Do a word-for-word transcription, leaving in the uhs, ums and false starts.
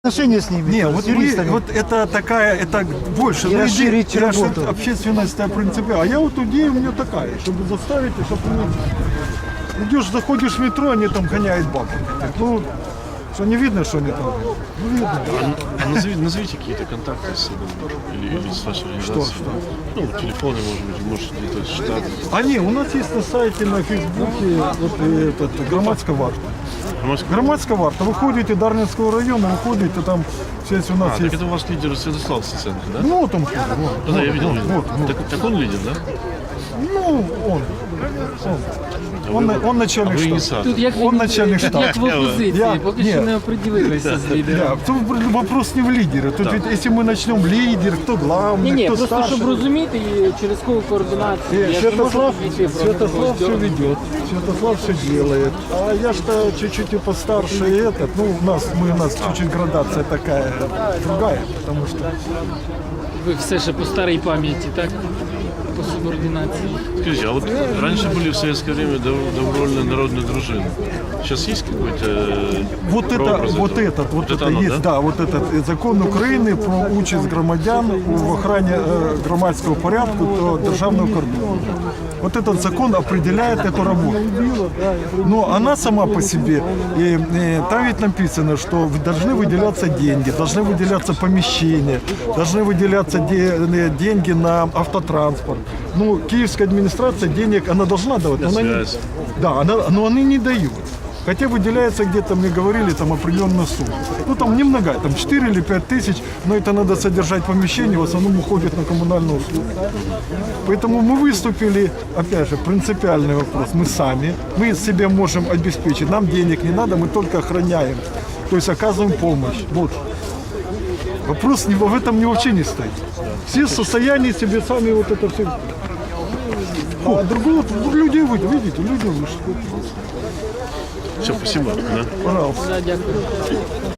Отношения с ними, Не, с вот, вы, юристами. вот это такая, это больше. И ну, расширить иди- работу. Общественность принципиально. А я вот идея у меня такая, чтобы заставить, чтобы ну, идешь, заходишь в метро, они там гоняют бабу. Ну, что не видно, что они там. Ну, видно. А назови- назовите какие-то контакты с собой или, или с вашей организацией. что? Ну, телефоны, может быть, может где-то штат. А не, у нас есть на сайте, на Фейсбуке, вот э, этот, громадская варта. Громадская- Громадская варта. Вы ходите Дарницкого района, вы ходите, там связь у нас А, так есть. это у вас лидер Святослав Сценко, да? Ну, вот он ходит, вот. Ну, да, я видел. видел. вот, вот. Так, так он лидер, да? Ну, он. Он, он, он начальник А ви штаба. ініціатор. Тут як, Он він- начальник тут штабу. як в опозиції, Я- поки ні. що не оприділилися з лідером. Да, тут вопрос не в лидере. Тут ведь, если мы начнем лидер, кто главный, Ні, ні, кто просто старший. щоб розуміти і через кого координацію. Э, Я ж не можу Святослав, підійти просто Святослав все здорово. ведет, Святослав все делает. А я что чуть-чуть и постарше и этот, ну у нас, мы, у нас чуть-чуть градация такая другая, потому что Ви все ще по старій пам'яті, так? По субординації. Скажите, а вот раньше были в советское время дов- добровольные народные дружины. Сейчас есть какой-то э, вот это, прообраз вот этого? этот, вот это, оно, есть, да? вот этот э, закон України про участь громадян в охрані э, громадського порядку та державного кордону. Вот этот закон определяет эту работу. Но она сама по себе, и, и, там ведь написано, что должны выделяться деньги, должны выделяться помещения, должны выделяться де- э, деньги на автотранспорт. Ну, киевская администрация денег, она должна давать, но она не, связь. да, она, но они не дают. Хотя выделяется где-то, мне говорили, там определенная сумма. Ну там немного, там четыре или пять тысяч, но это надо содержать помещение, в основном уходит на коммунальные услуги. Поэтому мы выступили, опять же, принципиальный вопрос, мы сами, мы себе можем обеспечить, нам денег не надо, мы только охраняем, то есть оказываем помощь. Вот. Вопрос не, в этом не вообще не стоит. Все в состоянии себе сами вот это все. А другого, люди вы видите, люди вышли. Все, спасибо. Да? Пожалуйста. Да, дякую.